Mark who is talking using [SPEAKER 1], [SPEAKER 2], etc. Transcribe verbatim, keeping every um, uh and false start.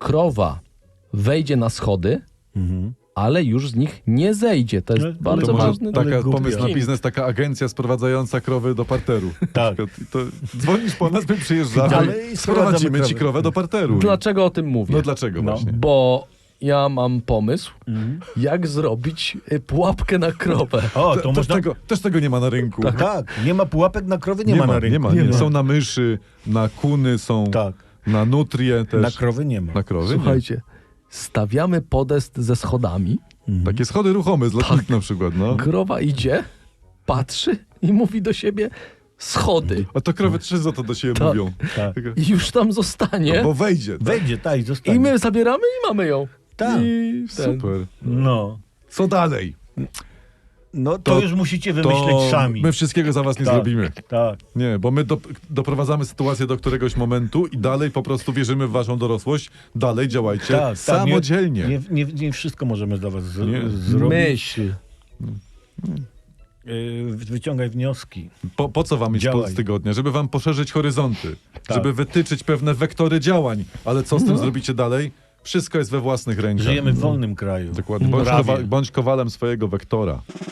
[SPEAKER 1] krowa wejdzie na schody,
[SPEAKER 2] Mhm.
[SPEAKER 1] ale już z nich nie zejdzie. To jest
[SPEAKER 2] No,
[SPEAKER 1] bardzo
[SPEAKER 2] to może
[SPEAKER 1] ważny
[SPEAKER 2] tak-
[SPEAKER 3] Taka
[SPEAKER 2] głupia.
[SPEAKER 3] pomysł na biznes, taka agencja sprowadzająca krowy do parteru.
[SPEAKER 2] Tak.
[SPEAKER 3] Na przykład. To dzwonisz po nas, my przyjeżdżamy
[SPEAKER 2] Ale
[SPEAKER 3] i
[SPEAKER 2] i
[SPEAKER 3] sprowadzimy
[SPEAKER 2] sprowadzamy
[SPEAKER 3] ci
[SPEAKER 2] krowę.
[SPEAKER 3] krowę do parteru.
[SPEAKER 1] Dlaczego o tym mówię?
[SPEAKER 3] No dlaczego
[SPEAKER 2] No.
[SPEAKER 3] właśnie?
[SPEAKER 1] Bo ja mam pomysł,
[SPEAKER 2] Mhm.
[SPEAKER 1] jak zrobić y, pułapkę na krowę.
[SPEAKER 2] O,
[SPEAKER 3] Te-
[SPEAKER 2] to
[SPEAKER 3] też,
[SPEAKER 2] można...
[SPEAKER 3] tego, też tego nie ma na rynku.
[SPEAKER 2] Tak, nie ma pułapek na krowy, nie, ma na rynku.
[SPEAKER 3] Nie ma, nie. Są na myszy, na kuny, są
[SPEAKER 2] Tak,
[SPEAKER 3] na nutrie też.
[SPEAKER 2] na krowy nie ma.
[SPEAKER 3] Na krowy?
[SPEAKER 1] Słuchajcie, stawiamy podest ze schodami,
[SPEAKER 3] Nie. Takie schody ruchome z lotnisk na przykład, no.
[SPEAKER 1] krowa idzie, patrzy i mówi do siebie schody.
[SPEAKER 3] A to krowy trzy za to do siebie
[SPEAKER 1] Tak.
[SPEAKER 3] mówią.
[SPEAKER 2] Tak.
[SPEAKER 3] Tylko-
[SPEAKER 1] I już tam zostanie.
[SPEAKER 3] Bo wejdzie. Tak?
[SPEAKER 2] Wejdzie, tak, i zostanie.
[SPEAKER 1] I my zabieramy i mamy ją.
[SPEAKER 2] Tak.
[SPEAKER 1] I ten.
[SPEAKER 3] Super.
[SPEAKER 2] No.
[SPEAKER 3] Co dalej?
[SPEAKER 2] No to,
[SPEAKER 3] To-
[SPEAKER 2] już musicie wymyśleć
[SPEAKER 3] To
[SPEAKER 2] sami.
[SPEAKER 3] my wszystkiego za was nie
[SPEAKER 2] Tak.
[SPEAKER 3] zrobimy.
[SPEAKER 2] Tak.
[SPEAKER 3] Nie, bo my do, doprowadzamy sytuację do któregoś momentu i dalej po prostu wierzymy w waszą dorosłość. Dalej działajcie
[SPEAKER 2] Tak, tak,
[SPEAKER 3] samodzielnie.
[SPEAKER 2] Nie, nie, nie wszystko możemy dla was z,
[SPEAKER 3] Nie.
[SPEAKER 2] zrobić.
[SPEAKER 1] Myśl.
[SPEAKER 2] Yy, wyciągaj wnioski.
[SPEAKER 3] Po, po co wam iść
[SPEAKER 2] Działaj.
[SPEAKER 3] z tygodnia? Żeby wam poszerzyć horyzonty.
[SPEAKER 2] Tak.
[SPEAKER 3] Żeby wytyczyć pewne wektory działań. Ale co z tym zrobicie dalej? Wszystko jest we własnych rękach.
[SPEAKER 2] Żyjemy w wolnym kraju.
[SPEAKER 3] Dokładnie. Bądź,
[SPEAKER 2] Prawie.
[SPEAKER 3] kowa- bądź kowalem swojego wektora.